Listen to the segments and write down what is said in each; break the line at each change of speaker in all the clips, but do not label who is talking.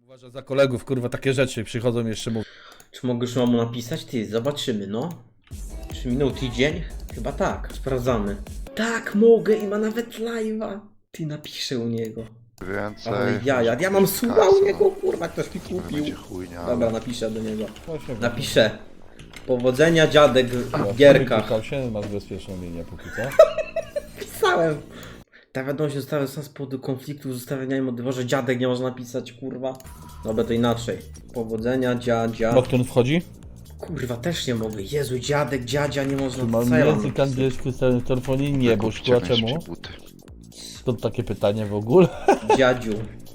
Uważa za kolegów, kurwa, takie rzeczy przychodzą jeszcze mówią.
Czy mogę już mamu napisać? Ty, zobaczymy, no. Czy minął tydzień? Chyba tak, sprawdzamy. Tak, mogę i ma nawet live'a. Ty, napiszę u niego.
Więcej.
Ale ja mam suba u niego, kurwa, ktoś mi kupił.
Będzie chujnia.
Dobra, napiszę do niego.
Właśnie,
Napiszę. Powodzenia dziadek w gierkach.
Klikał się, masz bezpieczną linię póki co.
Pisałem. Ta wiadomość została z powodu konfliktu z ustawieniami o dworze dziadek nie można napisać, kurwa. Dobra, to inaczej. Powodzenia dziadzia.
Nocturne wchodzi?
Kurwa, też nie mogę. Jezu, dziadek, dziadzia nie można.
Mam
Co ja mam
język
napisać?
angielski w telefonie? Nie, bo szkoła czemu?
Buty.
Skąd takie pytanie w ogóle?
Dziadziu.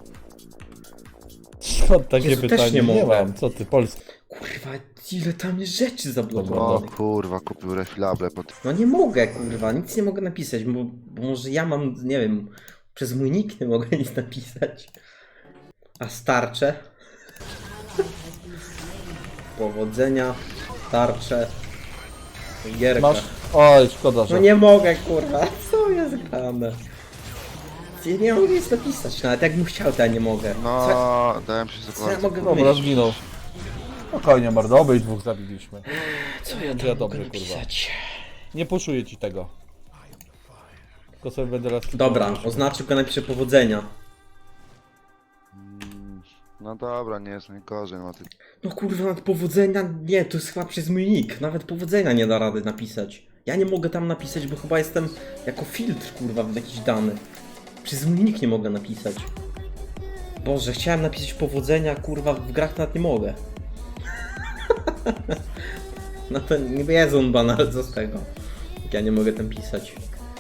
Skąd takie
Jezu, też
pytanie?
nie mogę.
mam, co ty, Polski.
Kurwa, ile tam jest rzeczy
O
zablokowanych.
kurwa, kupił refilable pod...
No nie mogę, kurwa, nic nie mogę napisać, bo może ja mam, nie wiem, przez mój nick nie mogę nic napisać. A starcze? Powodzenia, tarcze, gierka.
Masz? Oj, szkoda, że...
No nie mogę, kurwa, co jest grane? Ja nie mogę nic napisać, nawet jakbym chciał, to ja nie mogę.
No,
Co,
dałem się
co ja mogę
Dobra,
wymyślić?
zginął. Spokojnie, mordo, obej dwóch zabiliśmy.
Co ja
Ja
tam mogę
dobrze,
napisać?
Nie puszuję ci tego. Tylko sobie będę raz...
Dobra, oznaczę, tylko napiszę powodzenia.
No dobra, nie jest najgorzej, no ty...
No kurwa, nawet powodzenia, nie, to jest chyba przez mój nick, nawet powodzenia nie da rady napisać. Ja nie mogę tam napisać, bo chyba jestem jako filtr, kurwa, w jakiś dany. Przez mój nick nie mogę napisać. Boże, chciałem napisać powodzenia, kurwa, w grach nawet nie mogę. No to nie jest on banal, co z tego? Jak ja nie mogę tam pisać.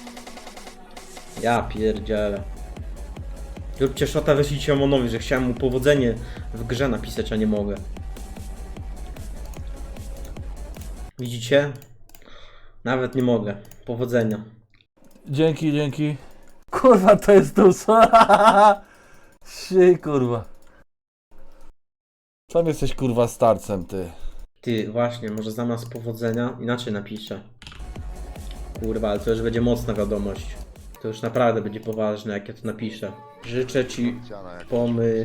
Ja pierdzielę. Róbcie szota, wyślijcie Omonowi, że chciałem mu powodzenie w grze napisać, a nie mogę. Widzicie? Nawet nie mogę. Powodzenia.
Dzięki, dzięki. Kurwa, to jest dużo. Siej, kurwa. Sam jesteś, kurwa, starcem, ty.
Ty, właśnie, może zamiast powodzenia inaczej napiszę. Kurwa, ale to już będzie mocna wiadomość. To już naprawdę będzie poważne, jak ja to napiszę. Życzę ci
Ciana, jak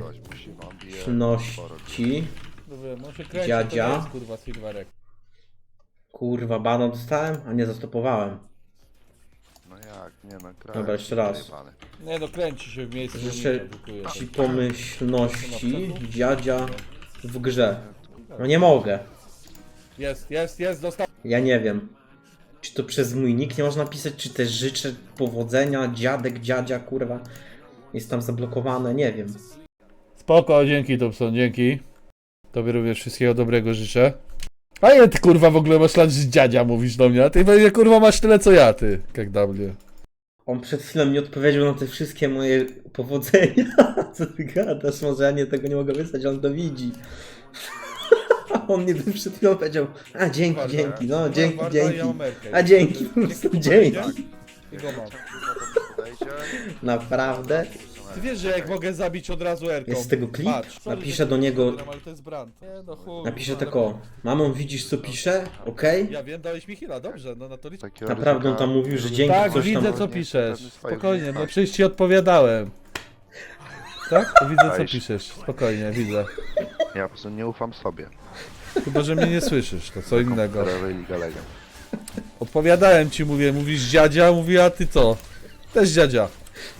pomyślności.
No się kręci,
Dziadzia.
to jest, kurwa, Silverek.
Kurwa, bana dostałem, a nie zastopowałem.
No jak, nie no, kraj.
Dobra, jeszcze raz.
Zajebany.
Nie no, kręci się w miejscu.
Życzę
nie edukuje się.
ci pomyślności dziadzia w grze. No nie mogę.
Jest, dostał.
Ja nie wiem. Czy to przez mój nick nie można pisać, czy też życzę powodzenia, dziadek, dziadzia, kurwa. Jest tam zablokowane, nie wiem.
Spoko, dzięki Thompson, dzięki. Tobie również wszystkiego dobrego życzę. A nie, ty kurwa w ogóle masz lat, że dziadzia mówisz do mnie, a ty pewnie kurwa masz tyle co ja, ty. Jak dla mnie.
On przed chwilą mi odpowiedział na te wszystkie moje powodzenia. Co ty gadasz? Może ja tego nie mogę wysłać, on to widzi. A on mi przed chwilą powiedział, a dzięki, dzięki, no dzięki, dzięki. A dzięki, po prostu dzięki.
I go mam.
Podejdzie.
Naprawdę?
Ty wiesz, że jak mogę zabić od razu Erką.
Jest z tego klip?
Patrz, sorry,
Napiszę
że
do niego,
ale to jest brand. Nie, no chuj,
napiszę
kurwa,
tak o. Mamą, widzisz co pisze? Okej?
Ja wiem, dałeś mi heal'a, dobrze, no na to liczę.
Takiego
Naprawdę on tam
ryzyka-
mówił, że dzięki
Tak,
coś tam.
widzę co
Nie,
piszesz.
pewnie swoje
Spokojnie, no
umiejętności.
przecież ci odpowiadałem. Tak? Widzę co
Dajesz.
piszesz. Spokojnie, widzę.
Ja po prostu nie ufam sobie.
Chyba, że mnie nie słyszysz, to co innego.
Komputerowej League Legend.
Odpowiadałem ci, mówisz dziadzia, mówi, a ty co? Też dziadzia.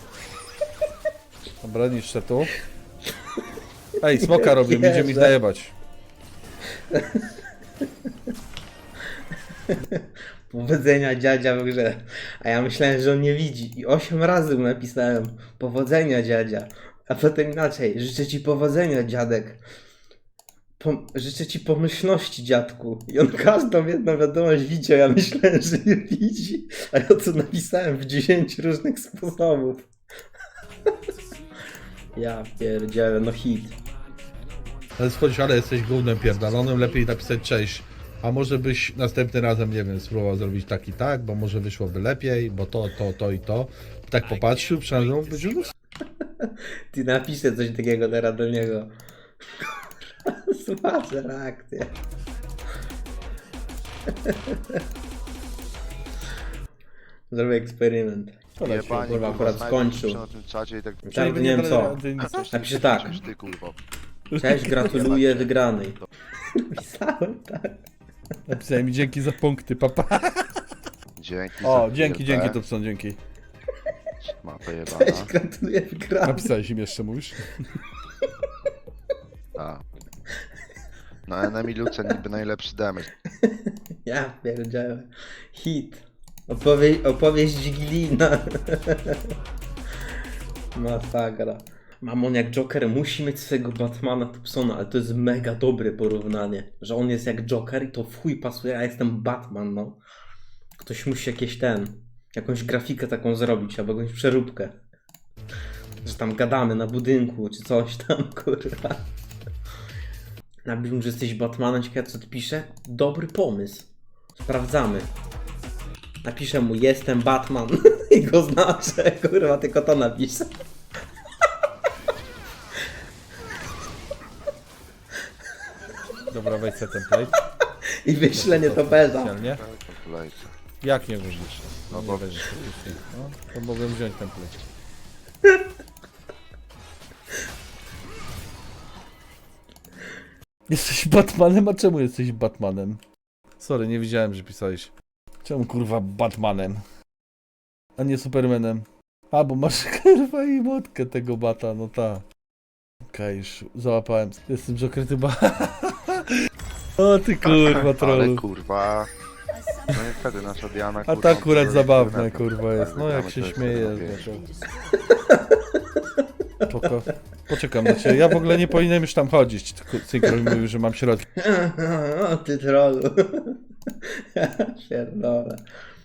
Dobra, niszczę tu. Ej, smoka robię, idzie mi najebać.
Powodzenia dziadzia w grze. A ja myślałem, że on nie widzi. I 8 razy mu napisałem powodzenia dziadzia. A potem inaczej. Życzę ci powodzenia dziadek. Życzę ci pomyślności dziadku. I on każdą jedną wiadomość widział. Ja myślałem, że nie widzi. A ja to napisałem w 10 różnych sposobów. Ja pierdzielę, no hit.
Ale spójrz, ale jesteś gównem pierdolonym, lepiej napisać cześć. A może byś następnym razem, nie wiem, spróbował zrobić tak i tak, bo może wyszłoby lepiej, bo to i to. Tak popatrzył, przynajmniej być już.
Ty napiszę coś takiego teraz do niego. Zobaczę reakcję. Zrobię eksperyment.
Jebani,
kurwa,
kurwa,
akurat
snajper
skończył.
pisze na tym czacie i tak...
Tak, nie wiem co. Napiszę tak.
Ty kurwa.
Cześć, gratuluję wygranej. Napisałem, tak.
Napisałem mi dzięki za punkty, papa.
Dzięki
O,
za
dzięki,
chwilę.
dzięki, Topson, dzięki.
Ma pojebana.
Cześć, gratuluję wygranej.
Napisałeś im jeszcze, mówisz?
A. No enemy Luce niby najlepszy damage.
Ja pierdzielę. Hit. Opowieść Gilina. Masakra. Mamon jak Joker musi mieć swojego Batmana Tupsona, ale to jest mega dobre porównanie. Że on jest jak Joker i to w chuj pasuje, a jestem Batman, no. Ktoś musi jakąś grafikę taką zrobić, albo jakąś przeróbkę. Że tam gadamy na budynku, czy coś tam, kurwa. Napisz, że jesteś Batmanem, ciekawe co ty pisze? Dobry pomysł. Sprawdzamy. Napiszę mu, jestem Batman i go znaczę, kurwa, tylko to napiszę.
Dobra, wejdź sobie template.
I wyślę nietoperza.
Specjalnie.
Kolejce.
Jak nie wyrzucisz?
No
Nie
bo-
wyrzucisz faktycznie. No, to mogłem wziąć template. Jesteś Batmanem? A czemu jesteś Batmanem? Sorry, nie widziałem, że pisałeś. Czemu kurwa Batmanem? A nie Supermanem? A, bo masz kurwa i motkę tego bata, no ta. Okej, już załapałem. Jestem Joker, ty ba... O ty kurwa
Ale
trollu.
kurwa. No niestety nasza Diana
A
kurwa,
to akurat
to
zabawne
jest
kurwa jest. No jak się
to jest
śmieje.
to
Spoko. Poczekam na ciebie. Ja w ogóle nie powinienem już tam chodzić. Tylko Synchron mówił, że mam środki.
O ty trollu. Ja pierdolę.